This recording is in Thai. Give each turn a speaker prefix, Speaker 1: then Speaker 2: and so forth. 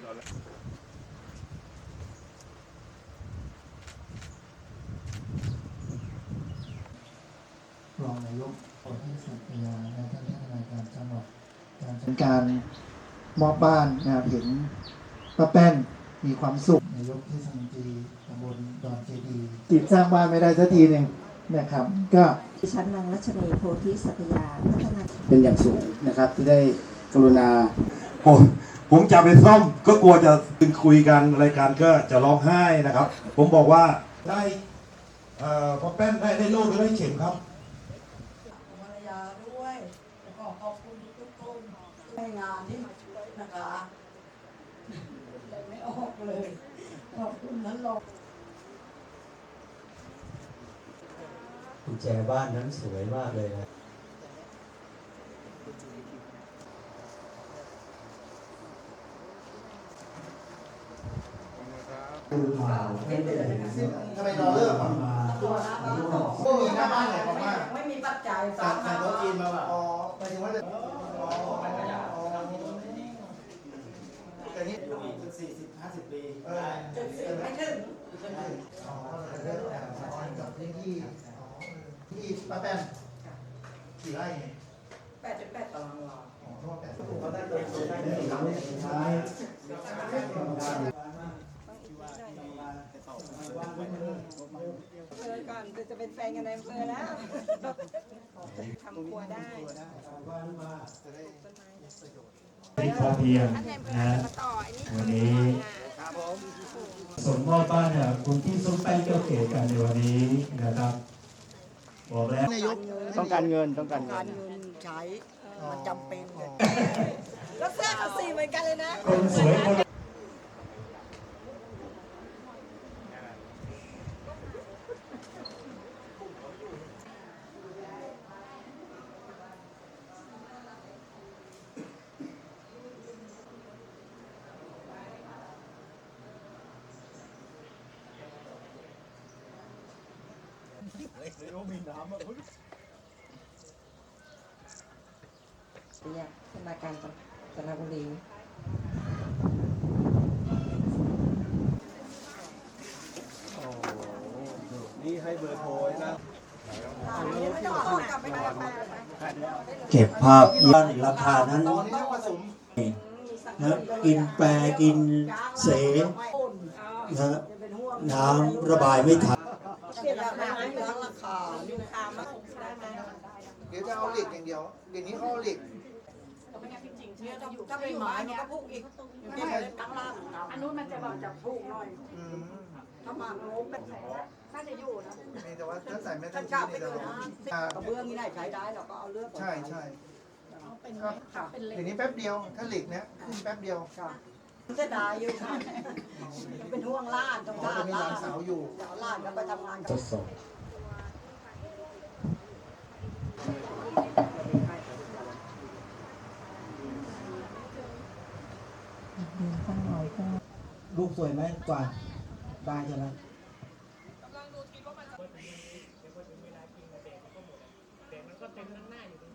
Speaker 1: รองนายกอบตสัตยาและท่านผู้ว่าการจังหวัดการมอบบ้านนะครับเห็นป้าแป้นมีความสุขนายกเทศมนตรีตำบลดอนเจดีติดสร้างบ้านไม่ได้สักทีหนึ่งนะครับก็
Speaker 2: ดิฉันนางรัชนีโพธิสัตยาพัฒนา
Speaker 1: เป็นอย่างสูงนะครับที่ได้กรุณา
Speaker 3: ผมจะไปซ่อมก็กลัวจะคุยกันรายการก็จะร้องไห้นะครับ ผมบอกว่าได้พอแป้นได้โล่หรือได้เข็มครับ
Speaker 4: ภรรยาด้วยขอขอบคุณทุกคนให้งานที่มาช่วยนะคะเลยไม่ออกเลยขอบคุณนั้นหรอก
Speaker 5: กุญแจบ้านนั้นสวยมากเลยนะ
Speaker 1: ทำไมรอเลิกอ่ะก็มีหน้าบ้านไหนของบ้าน
Speaker 4: ไม่มีปัจจัย
Speaker 1: สั่งโต๊ะจีนมาแบบอ๋อหมายถึงว่าจะแต่นี่40-50 ปี
Speaker 4: 70ไม่ถึง
Speaker 1: อ๋อเริ่มกับพื้นที่ป้าแป้นกี่ไร่
Speaker 4: 8.8 ตารางวา
Speaker 1: อ๋อทั่ว8เขาได้ตัวได้ใช่
Speaker 2: ก่อนจะเป็นแฟนกันในอำเภอแล้วทำครัวได้
Speaker 6: พอเพียงนะวันนี้ส่งมอบบ้านเนี่ยคุณที่ส้มแป้งเจ้าเก๋กันในวันนี้นะครับบอกแล้ว
Speaker 1: ต้องการเงิน
Speaker 4: ใช้มันจำเป็น
Speaker 2: แล้วเสื้อเขาสีเหมือนกันเลยนะ
Speaker 6: คนสวยคน
Speaker 2: เนี่ยธนาคารกาญจนบุรี
Speaker 5: นี่ให้เบอร์โทรนะ
Speaker 1: เก็บภาพย้อนราคานั้นนะกินแปรกินเสนะน้ำระบายไม่ทัน
Speaker 4: เปลี่ยนราคาราคาอยู่คามาได้ไหม
Speaker 1: เดี๋ยวจะเอาเหล็กอย่างเดียวเดี๋ยวนี้เขาเอาเหล็ก
Speaker 4: ถ้าเป็นไม้มันก็พุกอีกนี่เป็นตั้งล่างอันนู้นมันจะแบบจับพุกหน่อยถ้ามาโน้มเป็นน่าจะอยู่นะ
Speaker 1: แต่ว่าถ้าใส่ไม่ได้
Speaker 4: กไปเลยนะกระเบื้องนี่ได้ใช้ได้เราก็เอาเลือก
Speaker 1: ใช่เดี๋ยวนี้แป๊บเดียวถ้าเหล็กเนี้ยขึ้นแป๊บเดียว
Speaker 4: จะได้อยู่เป็นห่วงล้านต้องล้าน
Speaker 1: มีหลานสาวอยู่
Speaker 4: ล้านก็ไปทำงาน
Speaker 6: ทดสอบ
Speaker 1: รูปสวยไหมกว่าได้ใช่ไหม
Speaker 7: กำลังดูทีว่ามันจะพอถึงเวลาจริงแต่มันก็เต็มหน้าอยู่